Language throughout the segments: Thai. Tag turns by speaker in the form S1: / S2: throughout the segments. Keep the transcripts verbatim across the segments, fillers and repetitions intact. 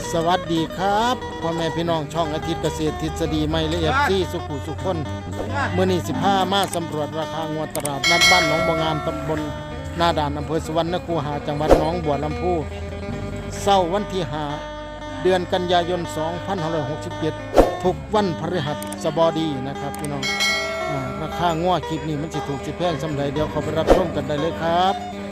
S1: สวัสดีครับพ่อแม่พี่น้องช่องอาทิตย์เกษตรทฤษฎีใหม่และเอฟซีสุขุสุขคนเมื่อนี้สิบห้ามาสำรวจราคางวดตลาดนัดบ้านหนองบัวงามตำบลนาด่านอำเภอสุวรรณคูหาจังหวัดหนองบัวลำพูเศร้าวันที่ห้าเดือนกันยายนสองพันห้าร้อยหกสิบเจ็ดทุกวันพฤหัสบดีนะครับพี่น้องราคางวดคลิปนี้มันสิถูกสิแพงสำหรับเดี๋ยวเขาไปรับชมกันได้เลยครับ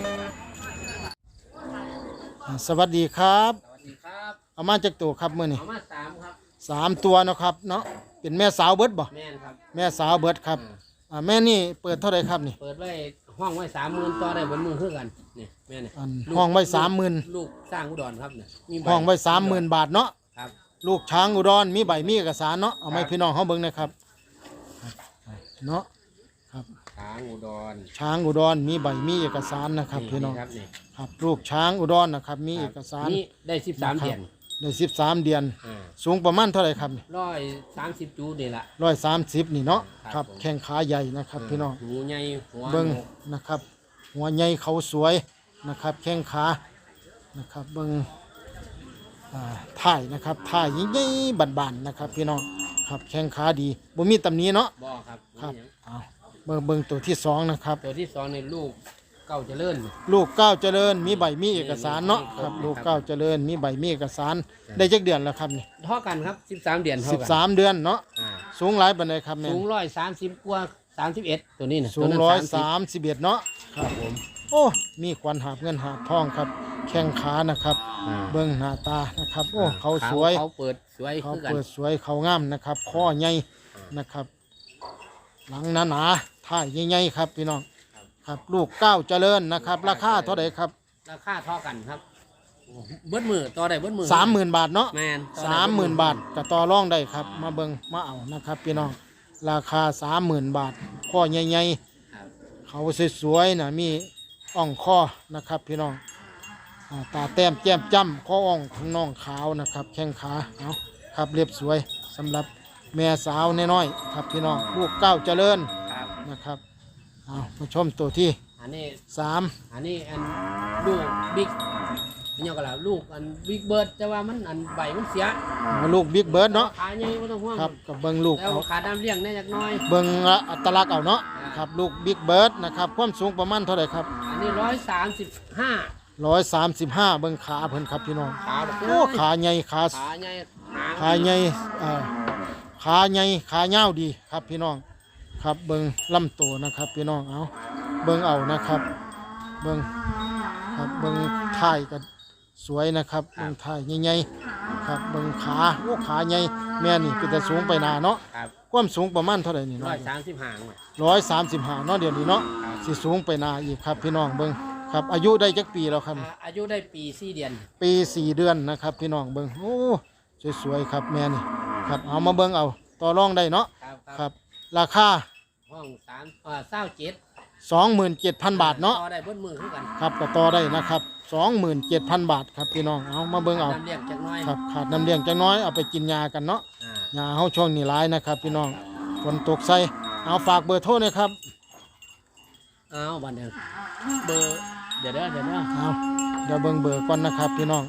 S1: สวัสดีครับเอามาจากตัวครับมื่อนี้
S2: เอามาสามครับ
S1: สามตัวเนาะครับเนาะเป็นแม่สาวเบิดบ่
S2: แม่นครับ
S1: แม่สาวเบิดครับอ่าแม่นี่เปิดเท่าไหร่ครับนี่
S2: เปิดไว้ห้องไว้สามหมื่นต่อได้บนมือคือกันนี่แม่นี่
S1: ห้องไว้สามหมื่น
S2: ลูกสร้างอุดรครับเนี่ย
S1: มีห้องไว้สามหมื่นบาทเนาะ
S2: ครับ
S1: ลูกช้างอุดรมีใบมีเอกสารเนาะเอาไว้พี่น้องเขาเบิ่งนะครับเนาะครับ
S2: ช้างอุดร
S1: ช้างอุดรมีใบมีเอกสารนะครับพี่น้องครับลูกช้างอุดรนะครับมีเอกสาร
S2: นี่ได้สิบสามเดือน
S1: ได้สิบสามเดือนสูงประมาณเท่าไหร่ครับ
S2: ร้อยสามสิบจูนี่ละ
S1: ร้อยสามสิบนี่เนาะครับแข้งขาใหญ่นะครับพี่น้อง
S2: หูใหญ่หัว
S1: เบิ้งนะครับหัวใหญ่เขาสวยนะครับแข้งขานะครับเบิ้งถ่ายนะครับถ่ายยิ่งใหญ่บานๆนะครับพี่น้องครับแข้งขาดีบ่มีตำหนิเนาะ
S2: บ่ครับ
S1: ครับเอาเบิ้งเบิ้งตัวที่สองนะครับ
S2: ตัวที่สองในลูกเก้าเจริญ
S1: ลูกเก้าเจริญมีใบมีเอกสารเนาะครับลูกเก้าเจริญมีใบมีเอกสารได้จักเดือนแล้วครับนี่
S2: เท่ากันครับสิบสามเดือนเท่า
S1: กันสิบสามเดือนเนาะสูงหลายปานใดครับแม่
S2: สูงร้อยสามสิบกว่าสามสิบเอ็ดตัวนี้นะ
S1: สูงร้อยสามสิบเอ็ดเนาะครับผมโอ้มีควันหาบเงินหาบทองครับแข้งขานะครับเบิ้งหน้าตานะครับโอ้เขาสวย
S2: เขาเปิดสวย
S1: เขาเปิดสวยเขางามนะครับข้อใหญ่นะครับหลังหนาหนาท่ายใหญ่ๆครับพี่น้องครับลูกเก้าเจริญนะครับราคาเท่าไหร่ครับ
S2: ราคาเท่ากันครับเบิ้ลมือต่อได้เบิ้ลมือ
S1: สามหมื่นบาทเนาะ
S2: แมน
S1: สามหมื่นบาทกับต่อรองได้ครับมาเบิ้งมาเอานะครับพี่น้องราคาสามหมื่นบาทข้อใหญ่ๆเขาสวยๆนะมีอ่องข้อนะครับพี่น้องตาแต้มแก้มจ้ำข้ออ่องข้างน่องขาวนะครับแข้งขาเอาครับเรียบสวยสำหรับแม่สาวน้อยๆครับพี่น้องลูกเก้าเจริญนะครับเอามาชมตัวที่
S2: อันนี้
S1: สาม
S2: อันนี้อันลูกบิ๊กนี่ก็แล้วลูกอันบิ๊กเบิร์ดแต่ว่ามันอันใบมันเสีย
S1: ลูกบิ๊กเบิร์ดเนาะ
S2: ขาใหญ่ไม่ต้องห่วง
S1: ครับกับเบิ้งลูก
S2: แล้วขาดำเลี้ยงได้จักน้อย
S1: เบิ้งอัตลักษณ์เอาเนาะครับลูกบิ๊กเบิร์ดนะครับความสูงประมาณเท่าไหร่ครับ
S2: อันนี้ร้อยสามสิบห้า
S1: ร้อยสามสิบห้าเบิ้งขาเพิ่นครับพี่น้อง
S2: ขา
S1: โอ้ขาใหญ่ขา
S2: ขาใหญ่
S1: ขาใหญ่ขาใหญ่ขาเงาดีครับพี่น้องครับเบิ้งลำตัวนะครับพี่น้องเอาเบิ้งเอานะครับเบิ้งครับเบิ้งถ่ายกันสวยนะครับเบิ้งถ่ายใหญ่ๆครับเบิ้งขาโอ้ขาใหญ่แม่นี่เป็นแต่สูงไปนาเนาะความสูงประมาณเท่าไหร่นี่
S2: ร้อยสามสิบห้า
S1: ร้อยสามสิบห้าเนาะเดี๋ยวนี้เนาะสิสูงไปนาอีกครับพี่น้องเบิ้งครับอายุได้จักปีแล้วครับ
S2: อายุได้ปีสี่เดือน
S1: ปีสี่เดือนนะครับพี่น้องเบิ้งโอ้สวยๆครับแม่นี่ครับเอามาเบิ้งเอาต่อรองได้เนาะครับราคา
S2: ห้องสามอ่าเศร้าเจ็ด
S1: สองหมื่นเจ็ดพันบาทเนาะ
S2: ต่อได้เบิ้ลมือขึ้นกัน
S1: ครับก็ต่อได้นะครับสองหมื่นเจ็ดพันบาทครับพี่น้องเอามาเบิ้งเอา
S2: น้ำเลี้ยงจักน้อย
S1: ครับขาดน้ำเลี้ยงจักน้อยเอาไปกินยากันเนาะยาเขาช่วงนี้ร้ายนะครับพี่น้องฝนตกใส่เอาฝากเบอร์โทรหน่อยครับ
S2: เอาบันเดียวเบอร์เดี๋ยวเดี๋ยวเดี๋ยว
S1: เอาเดี๋ยวเบิ้งเบอร์ก่อนนะครับพี่น้อง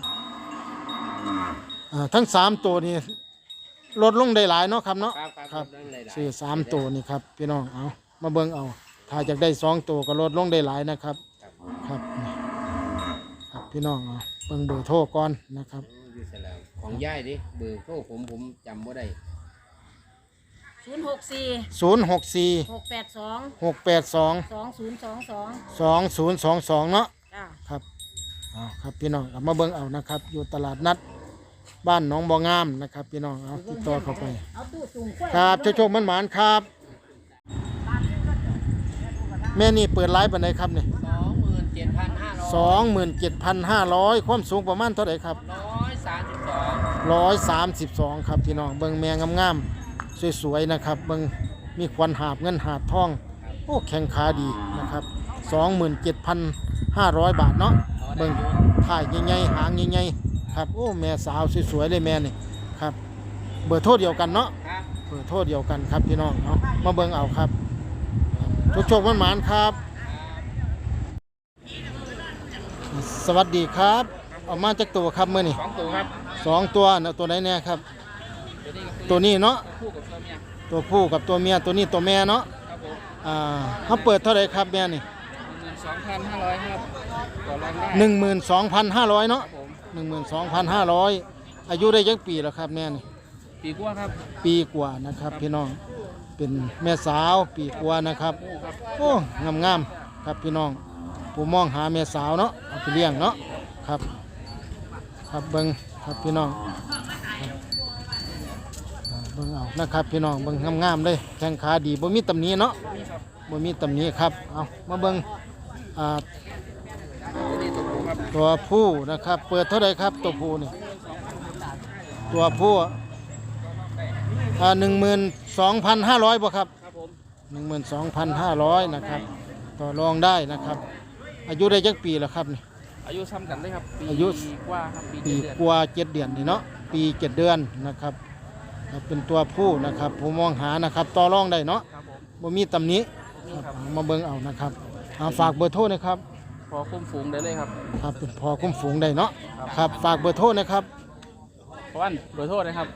S1: ทั้งสามตัวนี้ลดลงได้หลายเนาะครับเนาะ
S2: ครับ
S1: ซื้อสามตัวนี่ครับพี่น้องเอามาเบิ้งเอาถ้าอยากได้สองตัวก็ลดลงได้หลายนะครับครับครับพี่น้องเอาเบิ้งเบอร์โทรก่อนนะครับ
S2: ของย่ายดิเบอร์โทรผมผมจำว่าได้
S3: ศูนย์หกสี่
S1: ศูนย์หกสี่
S3: หกแปดสอง
S1: หกแปดสอง
S3: สองศูนย์สองสอง
S1: สองศูนย์สองสองเนาะครับเอาครับพี่น้องเอามาเบิ้งเอานะครับอยู่ตลาดนัดบ้านหนองบ่องามนะครับพี่น้องเอาติดต่อเข้าไปครับโชคๆมันหมานครับแม่นี่เปิดไลฟ์ปันไหนครับเนี่ย
S2: สองหมื่นเจ็ดพันห้าร้อย
S1: สองหมื่นเจ็ดพันห้าร้อยความสูงประมาณเท่าไหร่ครับ
S2: ร้อยสามสิบสอง
S1: ร้อยสามสิบสองครับพี่น้องเบิ้งแมงงามๆสวยๆนะครับเบิ้งมีควันหาบเงินหาบทองโอ้แข็งขาดีนะครับสองหมื่นเจ็ดพันห้าร้อยบาทเนาะเบิ้งถ่ายใหญ่ๆหางใหญ่ๆครับโอ้แม่สาวสวยๆเลยแม่นี่ครับเบอร์โทรเดียวกันเนาะเบอร์โทรเดียวกันครับพี่น้องเอามาเบิ้งเอาครับทุกโชคมันหมานครับสวัสดีครับออกมาจากตัวครับเมื่อนี่
S2: สองตัวครับ
S1: สองตัวนะตัวไหนเนี่ยครับ
S2: ตัวนี้กับ
S1: ตัวนี้เนาะ
S2: ตัวผู้กับตัวเมีย
S1: ตัวผู้กับตัวเมียตัวนี้ตัวแม่เนาะ
S2: ครับผม
S1: อ่าเขาเปิดเท่าไหร่ครับแม่นี่
S2: หนึ่งหมื่นสองพันห้าร้อยครับต่อรองได้
S1: หนึ่งหมื่นสองพันห้าร้อยเนาะ
S2: ครับผม
S1: หนึ่งหมื่นสองพันห้าร้อยอายุได้ยักปีแล้วครับแม่นี่
S2: ปีกว่าครับ
S1: ปีกว่านะครับพี่น้องเป็นแม่สาวปีกว่านะครับ
S2: ผู้ครับ
S1: โอ้งามงามๆครับพี่น้องผู้มองหาแม่สาวเนาะเอาไปเลี้ยงเนาะครับครับเบิ้งครับพี่น้องครับอ่าเบิ้งเอานะครับพี่น้องเบิ้งงามงามๆเลยแข้งขาดีบ่มีตำหนิเนาะ
S2: นี่ครับ
S1: บ่มีตำหนิครับเอามาเบิ้งอ่า
S2: ตัวนี้ตัวผู้ครับ
S1: ตัวผู้นะครับเปิดเท่าไหร่ครับตัวผู้นี่ตัวผู้อ่าหนึ่งหมื่นสองพันห้าร้อยบ่ครับ
S2: ครับผม
S1: หนึ่งหมื่นสองพันห้าร้อยนะครับต่อรองได้นะครับ อายุได้จักปีแล้วครับนี่
S2: อายุซ้ำกันได้ครับปี
S1: อายุ
S2: กว่าครับปี
S1: ปี
S2: เจ็ดเดือน
S1: กว่าเจ็ดเดือนนี่เนาะปีเจ็ดเดือนนะครับครับเป็นตัวผู้นะครับผมมองหานะครับต่อรองได้เนาะ
S2: ครับผม
S1: บ่มีตำหนิ
S2: นี่
S1: ครับ
S2: ครับ
S1: เอามาเบิ่งเอานะครับเอาฝากเบอร์โทรนะครับ
S2: พอคุ้มฝูงได้เลยครับ
S1: ครับเป็นพอคุ้มฝูงได้เนาะครับฝากเบอร์โทรนะครับ
S2: เพราะว่าโดยโทษนะครับ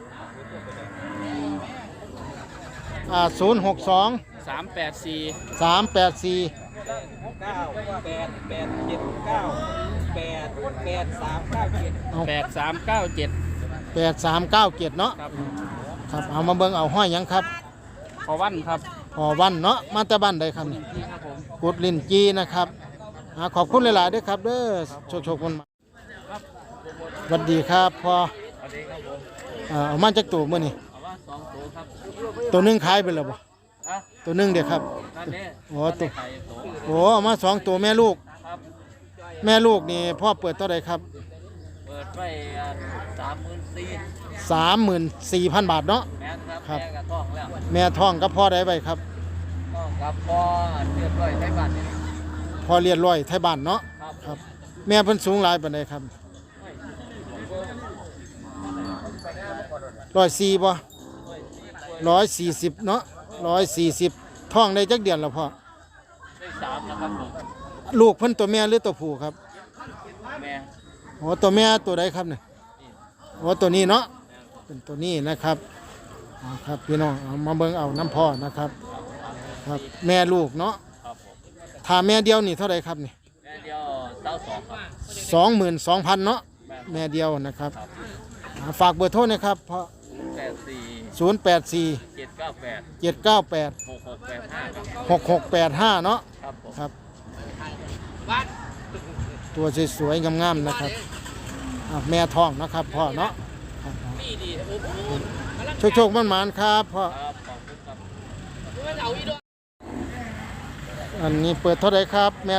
S1: อ่าศูนย์หกสอง
S2: สามแปดสี่
S1: สามแปดสี่
S4: เก้าแปดแปดเจ็ดเก้าแปดแปดสามเก้าเจ็ด
S2: แปดสามเก้าเจ็ด
S1: แปดสามเก้าเจ็ดเนาะ
S2: ครับ
S1: ครับเอามาเบิ่งเอาห้อยหยังครับ
S2: พอวันครับ
S1: พอวันเนาะมาแต่บ้านใดครับนี่
S2: นี่ครับผม
S1: กุดลินจีนะครับอ่าขอบคุณหลายๆด้วยครับเด้อโชคโชคมันมาสวัสดีครับพอ
S2: สวัสดีครับผม
S1: อ่าเอามาจากตัวมื่อนี่
S2: เอาว่าสองตัวครับ
S1: ตัวหนึงขายไปแล้วบ่
S2: อ่ะ
S1: ตัวหนึงเด็กครับ
S2: นั่นเด้
S1: โอ้ตัว
S2: ไข่โต
S1: โอ้เอามาสองตัวแม่ลูก
S2: ครับ
S1: แม่ลูกนี่พ่อเปิดเท่าไหร่ครับ
S2: เปิดไว้สามหมื่นสี่
S1: สามหมื่นสี่พันบาทเนาะ
S2: แม่นครับ
S1: ครับ
S2: แม่กับท้องแล้ว
S1: แม่ท้องกับพ่อได้ไปครับ
S2: ท้องกับพ่อเรียบร้อยใช้บัตรนี่
S1: พ่อเรียนร้อยไทยบ้านเนาะ
S2: ครับ
S1: ครับ แม่เพิ่นสูงหลายปานใดครับร้อยสี่บ่ร้อยสี่สิบเนาะร้อยสี่สิบท้องได้จักเดือนแล้วพ่อ
S2: ได้สามนะครับผม
S1: ลูกเพิ่นตัวแม่หรือตัวผู้ครับ
S2: แม่
S1: โอ้ตัวแม่ตัวใดครับเนี่ยโอ้ตัวนี้เนาะเป็นตัวนี้นะครับเอาครับพี่น้องเอามาเบิ่งเอาน้ำพ่อนะครับครับแม่ลูกเนาะ
S2: ครับผม
S1: ถ้าแม่เดียวนี่เท่าไหรครับนี่
S2: แม่เดียวเต้าสองครับ
S1: สองหมื่นสองพันเนาะแม่เดียวนะครับอ่าฝากเบอร์โทรนะครับเพราะ
S2: แปดสี่
S1: ศูนย์แปดสี่
S2: เจ็ดเก้าแปด
S1: เจ็ดเก้าแปด
S2: หกหกแปดห้าครับ
S1: หกหกแปดห้าเนาะ
S2: ครับผม
S1: ครับตัวสวยๆงามๆนะครับอ่าแม่ท้องนะครับพ่อเนาะครับ
S2: นี่ดีโอ้โห
S1: โชคๆมันหมานๆครับพ่อ
S2: ครับขอบคุณครับเอาอีกด้วย
S1: อันนี้เปิดเท่าไหร่ครับแม่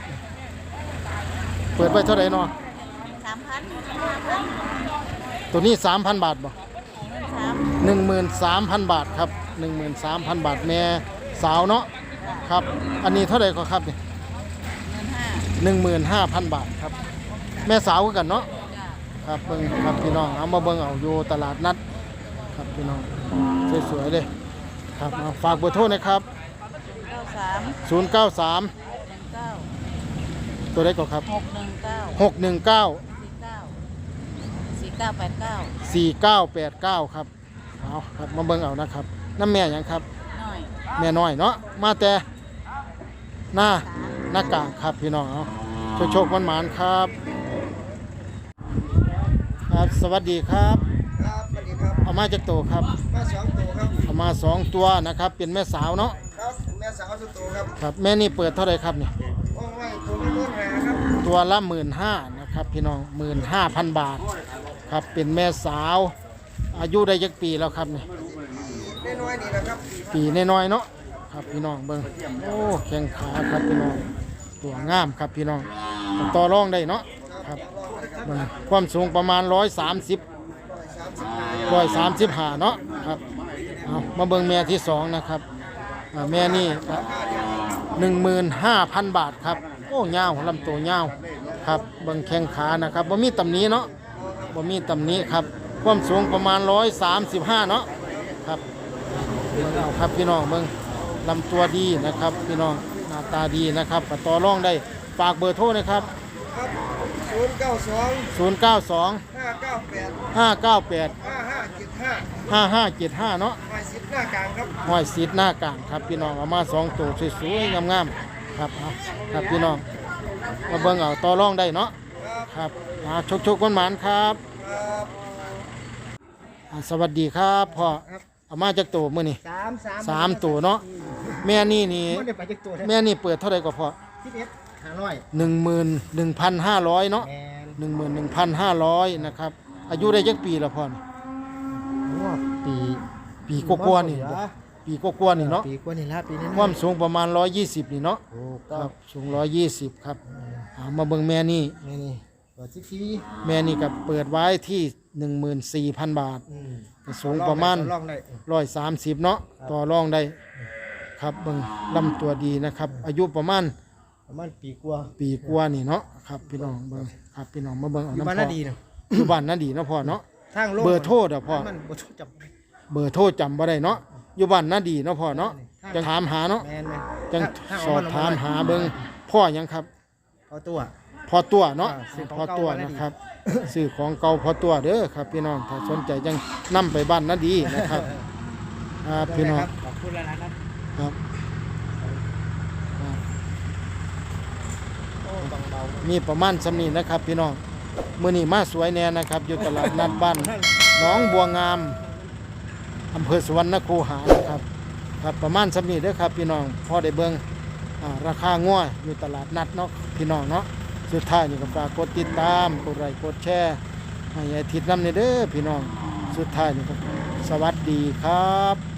S1: เปิดไปเท่าไหร่เนาะ
S3: สามพันห้าพัน
S1: ตัวนี้สามพันบาทบ่
S3: สาม
S1: หนึ่งหมื่นสามพันบาทครับหนึ่งหมื่นสามพันบาทแม่สาวเนาะครับ อันนี้เท่าไหร่ก็ครับเนี่ย
S3: เงินห้า
S1: หนึ่งหมื่นห้าพันบาทครับ แม่สาวคือกันเนาะ
S3: จ้า
S1: ครับเบิ่งครับพี่น้องเอามาเบิ่งเอาอยู่ตลาดนัดครับพี่น้องสวยๆเลยครับเอาฝากเบอร์โทรนะครับ
S3: เก้าสาม
S1: ศูนย์ เก้า สาม
S3: หนึ่งเก้า
S1: ตัวใดก็ครับ
S3: หกหนึ่งเก้า
S1: หก หนึ่ง เก้า
S3: สี่เก้าสี่เก้าแปดเก้า
S1: สี่ เก้า แปด เก้าครับเอาครับมาเบิ่งเอานะครับน้ำแม่หยังครับ
S3: น้อย
S1: แม่น้อยเนาะมาแต่หน้าหน้ากากครับพี่น้องเอาโชคโชคมันหมานๆครับครับสวัสดีครับ
S4: ครับสวัสดีครับ
S1: เอามาจากโตครับ
S4: มาสองตัวครับ
S1: เอามาสองตัวนะครับเป็นแม่สาวเนาะ
S4: ครับแม่สาวสุดตัวครับ
S1: ครับแม่นี่เปิดเท่าไหรครับนี่
S4: ว่องไว้ตัวไม่ต้นแหครับ
S1: ตัวละหมื่นห้านะครับพี่น้องหมื่นห้าพันบาทครับเป็นแม่สาว อายุได้ยักปีแล้วครับนี่
S4: ได้น้อยนี่แหละครับ
S1: ปีน้อยๆเนาะครับพี่น้องเบิ้งโอ้แข้งขาครับพี่น้องตัวงามครับพี่น้องต่อรองได้เนาะครับเบิ่งความสูงประมาณร้อยสามสิบร้อยสามสิบห้าเนาะครับเอามาเบิ่งแม่ที่สองนะครับอ่าแม่นี่หนึ่งหมื่นห้าพันบาทครับโอ้ยาวลำตัวยาวครับเบิ่งแข้งขานะครับบ่มีตำหนิเนาะบ่มีตำหนิครับความสูงประมาณร้อยสามสิบห้าเนาะครับ เบิ่งเอาครับพี่น้องเบิ่งลำตัวดีนะครับพี่น้องหน้าตาดีนะครับก็ต่อรองได้ฝากเบอร์โทรนะครับ
S4: ครับ
S5: ศูนย์เก้าสอง
S1: ศูนย์เก้าสอง
S5: ห้าเก้าแปด
S1: ห้าเก้าแปด
S5: ห้าห้าเจ็ดห้า
S1: ห้าห้าเจ็ดห้าเนาะ
S5: หมายสิบหน้ากลางครับ
S1: ห้อยสีดหน้ากลางครับพี่น้องเอามาสองตัวสวยๆงามๆครับเอาครับพี่น้องมาเบิ่งเอาต่อรองได้เนาะ
S5: ครับ
S1: ครับอ่าชกๆคนหมานครับ
S5: ครับ
S1: อ่าสวัสดีครับพ่อเอามาจากตัวมื้อนี่
S5: สามสาม
S1: สามตัวเนาะแม่นี่นี่
S5: มันได้ไปจากตัวแท้
S1: แม่นี่เปิดเท่าไหร่ก็พอ
S5: สิบเอ็ดห้าร้อย
S1: หนึ่งหมื่นหนึ่งพันห้าร้อยเนาะ
S5: แมน
S1: หนึ่งหมื่นหนึ่งพันห้าร้อยนะครับอายุได้จักปีแล้วพ่อนี่
S5: ว่าปี
S1: ปีกว่าๆนี่ปีกว่าๆนี่เนาะ
S5: ปีกว่านี่ละปีนี้
S1: ความสูงประมาณร้อยยี่สิบนี่เนาะ
S5: ถูก
S1: ค
S5: ต้อ
S1: รั
S5: ง
S1: บสูงร้อยยี่สิบครับเอามาเบิ่งแม่นี่
S5: นี่นี่เปิดสิบที
S1: แม่นี่กับเปิดไว้ที่หนึ่งหมื่นสี่พันบาท
S5: อืม
S1: ก็สูงประมาณ
S5: ลองได้
S1: ร้อยสามสิบเนาะต่อรองได้ครับเบิ่งลำตัวดีนะครับ อายุประมาณ
S5: ประมาณปีกว่า
S1: ปีกว่านี่เนาะครับพี่น้องเบิ่งครับพี่น้องมาเบิ่งเอา
S5: อยู่
S1: น้ำ
S5: บ้าน
S1: พ่
S5: น่า
S1: อ
S5: ดีเนาะ
S1: อยู่บ้านน่าดีเนาะพ่อเนาะ
S5: ทางโลก
S1: เบอร์โทรเด้อพ่อ
S5: มันเบอร์โทรจับ
S1: เบอร์โทรจำบ่ได้เนาะอยู่บ้านน่าดีเนาะพ่อเนาะจังถามหาเนาะ
S5: แมนแมน
S1: จัง
S5: ทาง
S1: สอบถามหาเบิ่งพ่อหยังครับ
S5: เอาตัว
S1: พอตัวเนาะ
S5: อ่าซื้อของ
S1: พอตัว
S5: เก่ามาแล้ว
S1: นะครับ ซื้อของเก่าพอตัวเด้อครับ พี่น้องถ้าสนใจจังนํไปบ้านน่าดีนะครับครับพี่น้อง
S5: ขอบคุณแล้วนะครับ
S1: ครับ
S5: โอ้ต้องเบา
S1: มีประมาณสำนีนะครับ พี่น้องมื้อนี้มาสวยแน่นะครับ อยู่ตลาดนัดบ้านหนองบัวงามอำเภอสุวรรณคูหานะครับ ครับประมาณสำนีเด้อครับ พี่น้องพอได้เบิ่งอ่าราคางัวอยู่ตลาดนัดเนาะพี่น้องเนาะสุดท้ายนี่ก็ฝากกดติดตามกดไลค์กดแชร์ให้อาทิตย์นำเด้อพี่น้องสุดท้ายนี่ก็สวัสดีครับ